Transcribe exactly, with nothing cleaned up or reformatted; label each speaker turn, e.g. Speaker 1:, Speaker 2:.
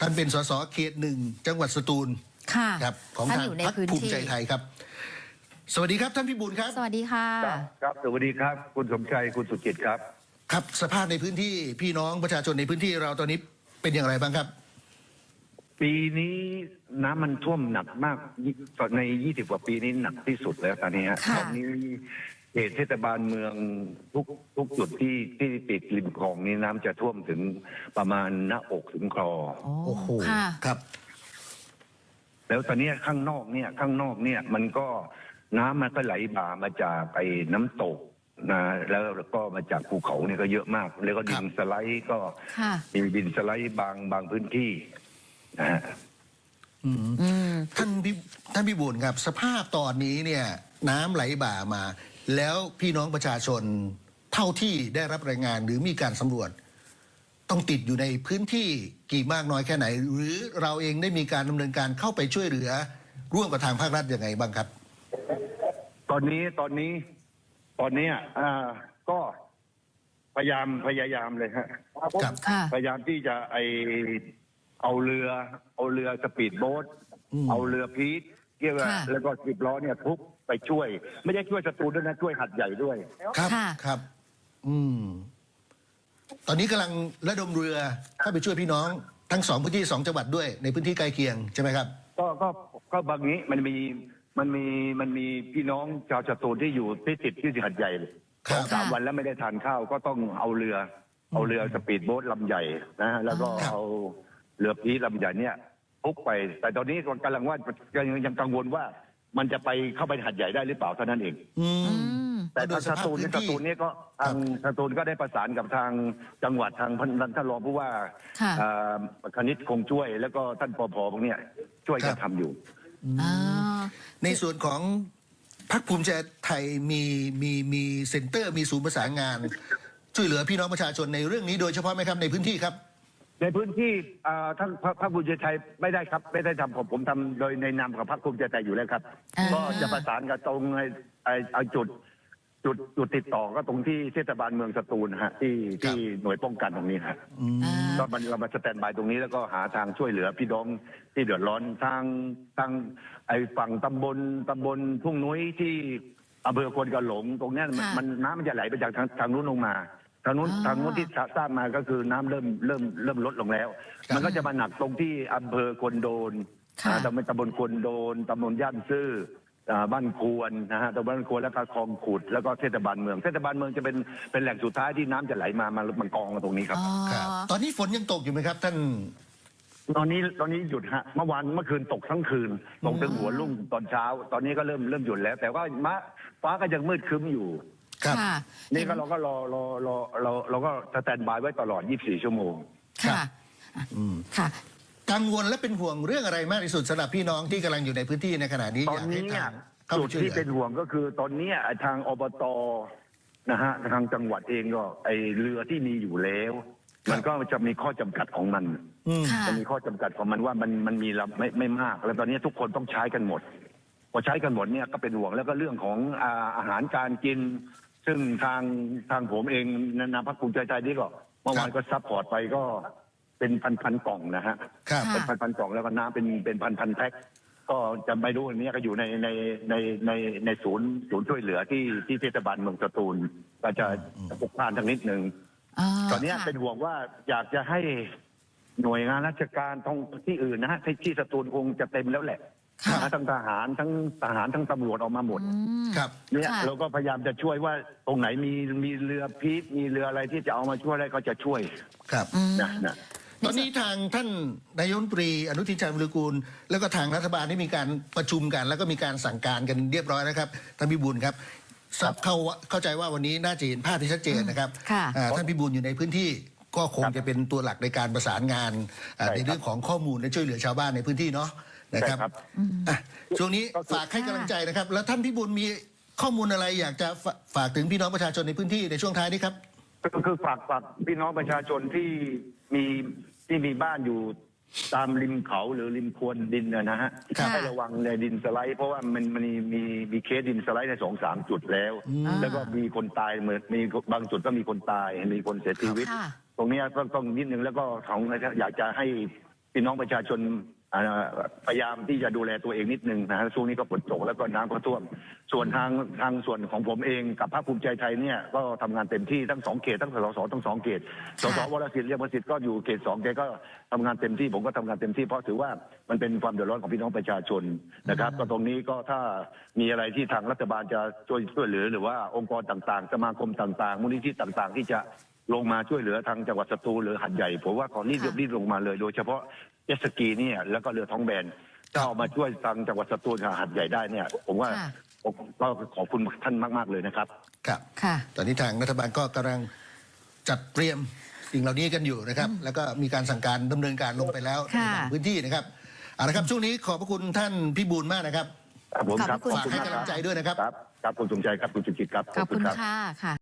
Speaker 1: ท่านเป็นสสเขตหนึ่งจังหวัดสตูล
Speaker 2: ค่ะ
Speaker 1: ครับของทางพรรคภูมิใจไทยครับสวัสดีครับท่านพิบูลครับ
Speaker 2: สวัสดีค่ะ
Speaker 3: ครับครับสวัสดีครับคุณสมชัยคุณสุจิตครับ
Speaker 1: ครับสภาพในพื้นที่พี่น้องประชาชนในพื้นที่เราตอนนี้เป็นอย่างไรบ้างครับ
Speaker 3: ปีนี้น้ำมันท่วมหนักมากในยี่สิบกว่าปีนี้หนักที่สุดแล้วตอนนี้ฮะตอนนี้เขตเทศบาลเมืองทุกทุกจุดที่ที่ติดริมคลองนี้น้ำจะท่วมถึงประมาณหน้าอกถึงคอ
Speaker 1: โอ้โหครับ
Speaker 3: แล้วตอนนี้ข้างนอกเนี่ยข้างนอกเนี่ยมันก็น้ำมันก็ไหลบ่ามาจากไอ้น้ำตกนะแล้วก็มาจากภูเขาเนี่ยก็เยอะมากแล้วก็ดินสไลด์ก็มีดินสไลด์บางบางพื้นที่นะฮะ
Speaker 1: ท่านพี่ท่านพี่บุญครับสภาพตอนนี้เนี่ยน้ำไหลบ่ามาแล้วพี่น้องประชาชนเท่าที่ได้รับรายงานหรือมีการสำรวจต้องติดอยู่ในพื้นที่กี่มากน้อยแค่ไหนหรือเราเองได้มีการดำเนินการเข้าไปช่วยเหลือร่วมกับทางภาครัฐยังไงบ้างครับ
Speaker 3: ตอนนี้ตอนนี้ตอนนี้อ่าก็พยายามพยายามเลยฮะพยายามที่จะไอเอาเรือเอาเรือสปีดโบ๊ทเอาเรือพีทเกี่ยวกับแล้วก็สิบล้อเนี่ยทุกไปช่วยไม่ได้ช่วยสตูลด้วยนะช่วยหัดใหญ่ด้วย
Speaker 1: ครับครับอืมตอนนี้กำลังระดมเรือเข้าไปช่วยพี่น้องทั้งสองพื้นที่สองจังหวัดด้วยในพื้นที่ใกล้เคียงใช่ไหมครับ
Speaker 3: ก็ก็ก็บางนี้มันมีมันมีมันมีพี่น้องชาวสตูลที่อยู่ที่ติดที่หัดใหญ่สองสามวันแล้วไม่ได้ทานข้าวก็ต้องเอาเรือเอาเรือสปีดโบ๊ทลำใหญ่นะแล้วก็เอาเรือพีทลำใหญ่เนี่ยพุกไปแต่ตอนนี้กำลังว่ายังยังกังวลว่ามันจะไปเข้าไปหัดใหญ่ได้หรือเปล่าเท่านั้นเองแต่ทางสตูลสตูลนี่ก็ทางสตูลก็ได้ประสานกับทางจังหวัดทางท่านรองผู้ว่าคณิตคงช่วยแล้วก็ท่านปภพวกนี้ช่วยกันทำอยู่
Speaker 1: ในส่วนของพรรคภูมิใจไทยมีมีมีเซ็นเตอร์มีศูนย์ประสานงานช่วยเหลือพี่น้องประชาชนในเรื่องนี้โดยเฉพาะไหมครับในพื้นที่ครับ
Speaker 3: ในพื้นที่ทั้งพรรคภูมิใจไทยไม่ได้ครับไม่ได้ทำผมผมทำโดยในนามของพรรคภูมิใจไทยอยู่แล้วครับก็จะประสานกับตรงไอ้ไอ้จุดจุดจุดติดต่อก็ตรงที่เทศบาลเมืองสตูลฮะที่ที่หน่วยป้องกันตรงนี้ครับก็มันเรามาสแตนบายตรงนี้แล้วก็หาทางช่วยเหลือพี่น้องที่เดือดร้อนทางทางไอ้ฝั่งตำบลตำบลทุ่งนุ้ยที่อำเภอควนกระหลงตรงนี้มันน้ำมันจะไหลไปจากทางทางนู้นลงมาทางนู้นทางนู้นที่ทราบมาก็คือน้ำเริ่มเริ่มเริ่มลดลงแล้วมันก็จะมาหนักตรงที่อำเภอควนโดนตำบลตำบลควนโดนตำบลย่านซื่อบ้านควรนะฮะตำบลบ้านควรแล้วก็คลองขุดแล้วก็เทศบาลเมืองเทศบาลเมืองจะเป็นเป็นแหล่งสุดท้ายที่น้ำจะไหลมามามันกองมาตรงนี้ครับ
Speaker 1: ตอนนี้ฝนยังตกอยู่ไหมครับท่าน
Speaker 3: ตอนนี้ตอนนี้หยุดฮะเมื่อวานเมื่อคืนตกทั้งคืนตกถึงหัวรุ่งตอนเช้าตอนนี้ก็เริ่มเริ่มหยุดแล้วแต่ว่าฟ้าก็ยังมืดครึ้มอยู่
Speaker 1: ครับ
Speaker 3: นี่ก็เราก็รอรอรอเราเราก็สแตนบายไว้ตลอดยี่สิบสี่ชั่วโมง
Speaker 2: ค่ะค่ะ
Speaker 1: กังวลและเป็นห่วงเรื่องอะไรมากที่สุดสำหรับพี่น้องที่กำลังอยู่ในพื้นที่ในขณะนี้
Speaker 3: ตอนนี้เนี่ยจุดที่เป็นห่วงก็คือตอนนี้ทางอบตนะฮะทางจังหวัดเองก็ไอเรือที่มีอยู่แล้วมันก็จะมีข้อจำกัดของมันจะมีข้อจำกัดของมันว่ามันมันมีไม่ไม่มากแล้วตอนนี้ทุกคนต้องใช้กันหมดพอใช้กันหมดเนี่ยก็เป็นห่วงแล้วก็เรื่องของอาหารการกินซึ่งทางทางผมเองนามพรรคภูมิใจไทยนี่ก็เมื่อวานก็ซัพพอร์ตไปก็เป็นพันพันกล่องนะฮะเป็นพันพันกล่องแล้วก็น้ำเป็นเป็นพันพันแพ็คก็จะไม่รู้อันนี้ก็อยู่ในในในในในศูนย์ศูนย์ช่วยเหลือที่ที่เทศบาลเมืองสตูลก็จะปกพานทางนิดนึงตอนนี้เป็นห่วงว่าอยากจะให้หน่วยงานราชการท้องที่อื่นนะฮะที่สตูลคงจะเต็มแล้วแหละทั้งทหารทั้งทหารทั้งตำรวจออกมาหมด
Speaker 1: ครับ
Speaker 3: เนี่ยเราก็พยายามจะช่วยว่าตรงไหนมีมีเรือพีทมีเรืออะไรที่จะเอามาช่วยอะไรก็จะช่วย
Speaker 1: ครับ
Speaker 3: นะนะ
Speaker 1: ตอนนี้ทางท่านนายกรัฐมนตรีอนุทินชาญวิรุฬกูลแล้วก็ทางรัฐบาลได้มีการประชุมกันแล้วก็มีการสั่งการกันเรียบร้อยนะครับท่านพิบูลครับเข้าเข้าใจว่าวันนี้น่าจะเห็นภาพที่ชัดเจนนะครับท่านพิบูลอยู่ในพื้นที่ก็คงจะเป็นตัวหลักในการประสานงานในเรื่องของข้อมูลและช่วยเหลือชาวบ้านในพื้นที่เนาะนะครับช่วงนี้ฝากให้กำลังใจนะครับแล้วท่านพิบูลมีข้อมูลอะไรอยากจะฝากถึงพี่น้องประชาชนในพื้นที่ในช่วงท้ายนี้ครับ
Speaker 3: ก็คือฝากฝากพี่น้องประชาชนที่มีที่มีบ้านอยู่ตามริมเขาหรือริมควนดินนะฮะให้ระวังในดินสไลด์เพราะว่ามันมันมีมีเคสดินสไลด์ในสองสามจุดแล้วแล้วก็มีคนตายเหมือนมีบางจุดก็มีคนตายมีคนเสียชีวิตตรงนี้ต้องต้องนิดนึงแล้วก็ของอยากจะให้พี่น้องประชาชนอ่าพยายามที่จะดูแลตัวเองนิดนึงนะฮะช่วงนี้ก็ฝนตกแล้วก็น้ำก็ท่วม ส่วนทางทางส่วนของผมเองกับพรรคภูมิใจไทยเนี่ยก็ทำงานเต็มที่ทั้งสองเขตทั้งสสทั้งสองเขตสสวรสิทธิ์เรียบประสิทธิ์ก็อยู่เขตสองแกก็ทำงานเต็มที่ผมก็ทำงานเต็มที่เพราะถือว่ามันเป็นความเดือดร้อนของพี่น้องประชาชนนะครับก็ตรงนี้ก็ถ้ามีอะไรที่ทางรัฐบาลจะช่วยช่วยเหลือหรือว่าองค์กรต่างๆสมาคมต่างๆมูลนิธิต่างๆ ที่จะลงมาช่วยเหลือทางจังหวัดสตูลหรือหัดใหญ่ผมว่าขอรีบรีบลงมาเลยโดยเฉพาะเจ็ตสกีเนี่ยแล้วก็เรือท้องแบนถ้าเอามาช่วยทางจังหวัดสตูลกับหัดใหญ่ได้เนี่ยผมว่าก็ขอบคุณท่านมากๆเลยนะครับ
Speaker 1: ครับ
Speaker 2: ค่ะ
Speaker 1: ตอนนี้ทางรัฐบาลก็กำลังจัดเตรียมสิ่งเหล่านี้กันอยู่นะครับ แล้วก็มีการสั่งการดำเนินการลงไปแล้วใน
Speaker 2: ค่ะ
Speaker 1: บางพื้นที่นะครับเอาละครับช่วงนี้ขอบพระคุณท่านพี่บูลย์มากนะครับ
Speaker 3: ครับผมครับ
Speaker 2: ขอบคุณ
Speaker 1: ฝากให้กำลังใจด้วยนะครับ
Speaker 3: ครับครับคุณสมใจครับคุณจุจิตครับ
Speaker 2: ขอบคุณค่ะค่ะ